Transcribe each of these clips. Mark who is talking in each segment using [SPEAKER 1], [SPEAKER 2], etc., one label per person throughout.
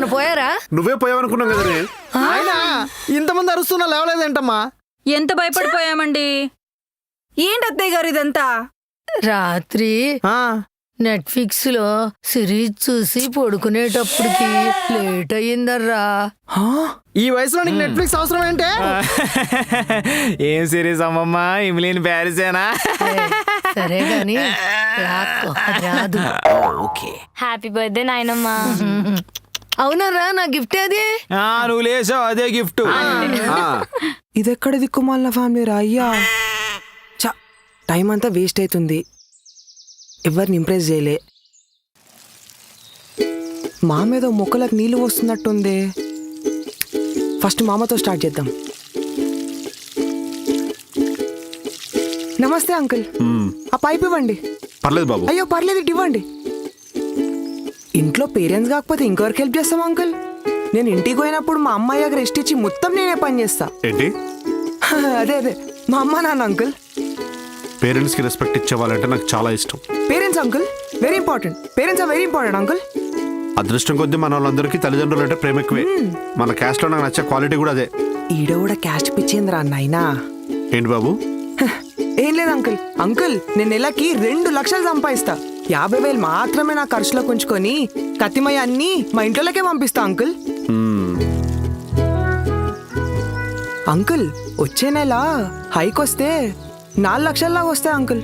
[SPEAKER 1] ఎవరన్నా పోయారా?
[SPEAKER 2] నువ్వే పోయావనుకున్నాం కదా.
[SPEAKER 3] ఆయన ఇంతమంది అరుస్తున్నా లేవలేదేంటమ్మా?
[SPEAKER 4] ఎంత భయపడిపోయామండి.
[SPEAKER 5] ఏంటి అత్తయ్య గారు ఇదంతా?
[SPEAKER 1] రాత్రి నెట్ఫ్లిక్స్ లో సిరీస్ చూసి పడుకునేటప్పటికి లేట్ అయ్యిందర్రా.
[SPEAKER 3] ఈ వయసులో నీకు నెట్ఫ్లిక్స్ అవసరం ఏంటే?
[SPEAKER 6] ఏం సిరీస్ అమ్మమ్మా? ఇమిలీన్ ప్యారిసేనా?
[SPEAKER 1] సరే గాని రాదు.
[SPEAKER 7] హ్యాపీ బర్త్డే నాయనమ్మా.
[SPEAKER 1] అవునరా, నా గిఫ్ట్ అది.
[SPEAKER 6] నువ్వు లేసావు, అదే గిఫ్ట్.
[SPEAKER 8] ఇదెక్కడ దిక్కుమాలిన ఫ్యామిలీ రా అయ్యా. టైం అంతా వేస్ట్ అవుతుంది, ఎవరిని ఇంప్రెస్ చేయలే. మా మీద మొక్కలకు నీళ్ళు వస్తున్నట్టుంది. ఫస్ట్ మామతో స్టార్ట్ చేద్దాం. నమస్తే అంకుల్, ఆ పైప్ ఇవ్వండి.
[SPEAKER 2] పర్లేదు బాబు.
[SPEAKER 8] అయ్యో పర్లేదు, ఇటు ఇవ్వండి. ఇంట్లో పేరెంట్స్ కాకపోతే ఇంకెవరికి హెల్ప్ చేస్తాం అంకుల్? నేను ఇంటికి పోయినప్పుడు మా అమ్మాయికి రెస్ట్ ఇచ్చి మొత్తం నేనే పని చేస్తా.
[SPEAKER 2] ఏంటి?
[SPEAKER 8] అదే మా అమ్మ నాన్న అంకుల్.
[SPEAKER 2] పేరెంట్స్ కి రెస్పెక్ట్ ఇచ్చేవాళ్ళంటే నాకు చాలా ఇష్టం.
[SPEAKER 8] Parents uncle very important. Parents are very important uncle.
[SPEAKER 2] అదృష్టం కొద్దీ మన వాళ్ళందరికీ తల్లిదండ్రులు అంటే ప్రేమ ఎక్కువే. మన క్యాస్ట్ లో నాకు నచ్చే క్వాలిటీ కూడా అదే.
[SPEAKER 8] ఈడ కూడా క్యాస్ట్ పిచ్చేంద్రా నాయనా.
[SPEAKER 2] ఏంటి బాబు?
[SPEAKER 8] ఏం లేదు అంకుల్. అంకుల్ నేను నెలకి 2 లక్షలు సంపాదిస్తా. 50,000 మాత్రమే నా ఖర్చులో ఉంచుకొని కత్తిమయ్య అన్ని మా ఇంట్లోకే పంపిస్తా అంకుల్. అంకుల్ వచ్చే నెల హైక్ వస్తే 4 లక్షల్లాగా వస్తాయి అంకుల్.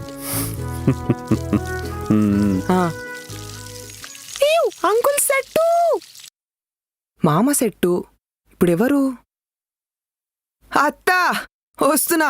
[SPEAKER 8] అంకుల్ సెట్టు, మామ సెట్టు. ఇప్పుడు ఎవరు? అత్త వస్తున్నా.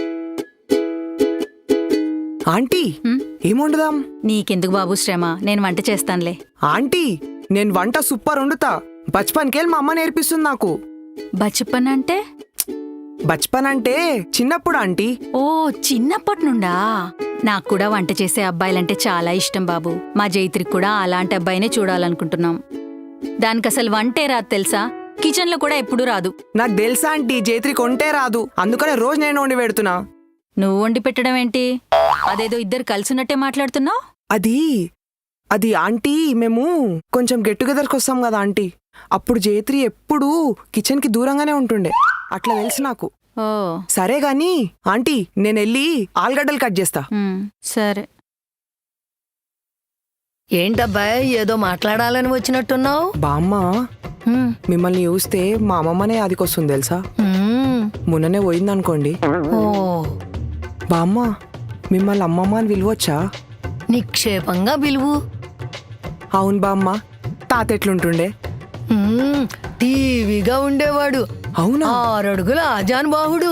[SPEAKER 8] ఆంటీ ఏం వండుదాం?
[SPEAKER 4] నీకెందుకు బాబు శ్రమ, నేను వంట చేస్తానులే.
[SPEAKER 8] ఆంటీ నేను వంట సూపర్ వండుతా. బచ్పన్కెళ్ళి మా అమ్మ నేర్పిస్తుంది నాకు.
[SPEAKER 4] బచ్చప్పన్ అంటే?
[SPEAKER 8] బచ్పన్ అంటే చిన్నప్పుడు ఆంటీ.
[SPEAKER 4] ఓ చిన్నప్పటి నుండా? నాకు కూడా వంట చేసే అబ్బాయిలంటే చాలా ఇష్టం బాబు. మా జైత్రికి కూడా అలాంటి అబ్బాయినే చూడాలనుకుంటున్నాం. దానికి అసలు వంటే రాదు తెలుసా, కిచెన్ లో కూడా ఎప్పుడూ రాదు.
[SPEAKER 8] నాకు తెలుసా ఆంటీ, జైత్రికి వంటే రాదు, అందుకనే రోజు నేను వండి పెడుతున్నా.
[SPEAKER 4] నువ్వు వండి పెట్టడం ఏంటి? అదేదో ఇద్దరు కలిసినట్టే మాట్లాడుతున్నావు.
[SPEAKER 8] అది ఆంటీ మేము కొంచెం గెట్ టుగెదర్కి వస్తాం కదా ఆంటీ, అప్పుడు జైత్రి ఎప్పుడూ కిచెన్ కి దూరంగానే ఉంటుండే, అట్లా తెలుసు నాకు.
[SPEAKER 4] ఓ
[SPEAKER 8] సరే గాని ఆంటీ నేను వెళ్ళి ఆలుగడ్డలు కట్ చేస్తా.
[SPEAKER 4] సరే.
[SPEAKER 1] ఏంటబ్బాయ్ ఏదో మాట్లాడాలని వచ్చినట్టున్నావు?
[SPEAKER 8] బామ్మ మిమ్మల్ని చూస్తే మా అమ్మమ్మనే అదికొస్తుంది తెలుసా. మొన్ననే పోయిందనుకోండి.
[SPEAKER 1] ఓ
[SPEAKER 8] బామ్మ మిమ్మల్ని అమ్మమ్మ అని పిలవచ్చా?
[SPEAKER 1] నిక్షేపంగా పిలువు.
[SPEAKER 8] అవును బామ్మ. తాత ఎట్లుంటుండే?
[SPEAKER 1] టీవీగా ఉండేవాడు.
[SPEAKER 8] అవునా?
[SPEAKER 1] 6 అడుగుల ఆజానుబాహుడు.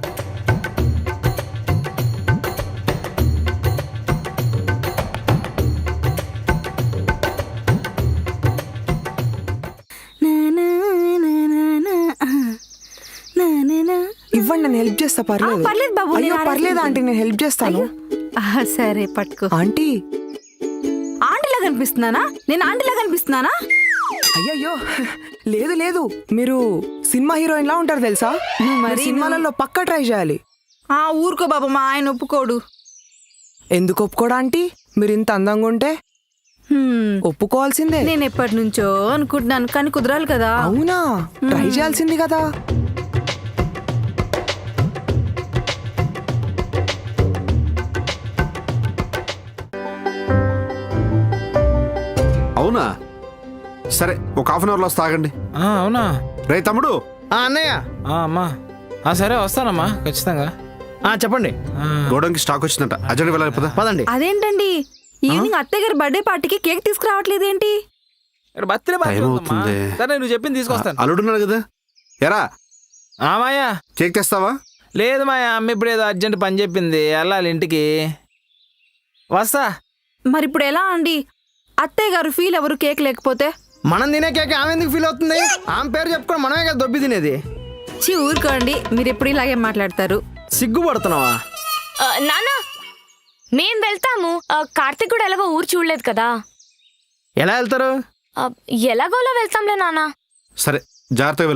[SPEAKER 8] ఇవ్వండి నేను హెల్ప్ చేస్తా. పర్లేదు.
[SPEAKER 5] పర్లేదు బాబు.
[SPEAKER 8] అయ్యో పర్లేదు ఆంటీ, నేను హెల్ప్ చేస్తాను.
[SPEAKER 5] సరే పట్టుకో.
[SPEAKER 8] ఆంటీ
[SPEAKER 5] ఆంటీలా కనిపిస్తున్నానా? నేను ఆంటీలా కనిపిస్తున్నానా?
[SPEAKER 8] అయ్యయ్యో లేదు, మీరు సినిమా హీరోయిన్ లా ఉంటారు తెలుసా. మరి సినిమాలలో పక్కా ట్రై చేయాలి.
[SPEAKER 5] ఊరుకో బాబు, మా ఆయన ఒప్పుకోడు.
[SPEAKER 8] ఎందుకు ఒప్పుకోడా ఆంటీ? మీరు ఇంత అందంగా ఉంటే ఒప్పుకోవాల్సిందే.
[SPEAKER 5] నేను ఎప్పటి నుంచో అనుకుంటున్నాను, కానీ కుదరాలి కదా.
[SPEAKER 8] అవునా? ట్రై చేయాల్సింది కదా.
[SPEAKER 2] అవునా? సరే ఒక హాఫ్ అన్ అవర్ లో తాగండి.
[SPEAKER 6] అవునా?
[SPEAKER 2] రే తమ్ముడు.
[SPEAKER 3] అన్నయ్య.
[SPEAKER 6] అమ్మా సరే వస్తానమ్మా ఖచ్చితంగా.
[SPEAKER 3] చెప్పండి.
[SPEAKER 2] గోడంకి స్టాక్ వచ్చిందంట, అర్జెంట్ వెళ్ళాలి.
[SPEAKER 3] పదండి.
[SPEAKER 5] అదేంటండి ఈవినింగ్ అత్తయ్య గారి బర్త్డే పార్టీకి కేక్ తీసుకురావట్లేదేంటి?
[SPEAKER 6] బర్త్డే
[SPEAKER 2] టైం అవుతుంది.
[SPEAKER 6] సరే నువ్వు చెప్పింది తీసుకొస్తాను.
[SPEAKER 2] అల్లుడున్నాడు కదా. ఎరా
[SPEAKER 6] మాయా
[SPEAKER 2] కేక్ తెస్తావా?
[SPEAKER 6] లేదు మాయా, అమ్మ ఇప్పుడు ఏదో అర్జెంట్ పని చెప్పింది, వెళ్ళాలి ఇంటికి. వస్తా.
[SPEAKER 5] మరి ఇప్పుడు ఎలా అండి? అత్తయ్య గారు ఫీల్ ఎవరు కేక్ లేకపోతే?
[SPEAKER 3] మనం తినే కేక్ ఆమె ఎందుకు ఫీల్ అవుతుంది? ఆమె పేరు చెప్పుకొని మనమే కదా దొబ్బి తినేది.
[SPEAKER 5] ఊరుకోండి, మీరు ఎప్పుడు ఇలాగే మాట్లాడతారు.
[SPEAKER 3] సిగ్గుపడుతున్నావా?
[SPEAKER 7] నానా మేం వెళ్తాము. కార్తీక్ కూడా ఎలాగో ఊరు చూడలేదు కదా.
[SPEAKER 3] ఎలా వెళ్తారు?
[SPEAKER 7] ఎలాగోలా వెళ్తాంలే నానా.
[SPEAKER 2] సరే జాగ్రత్తగా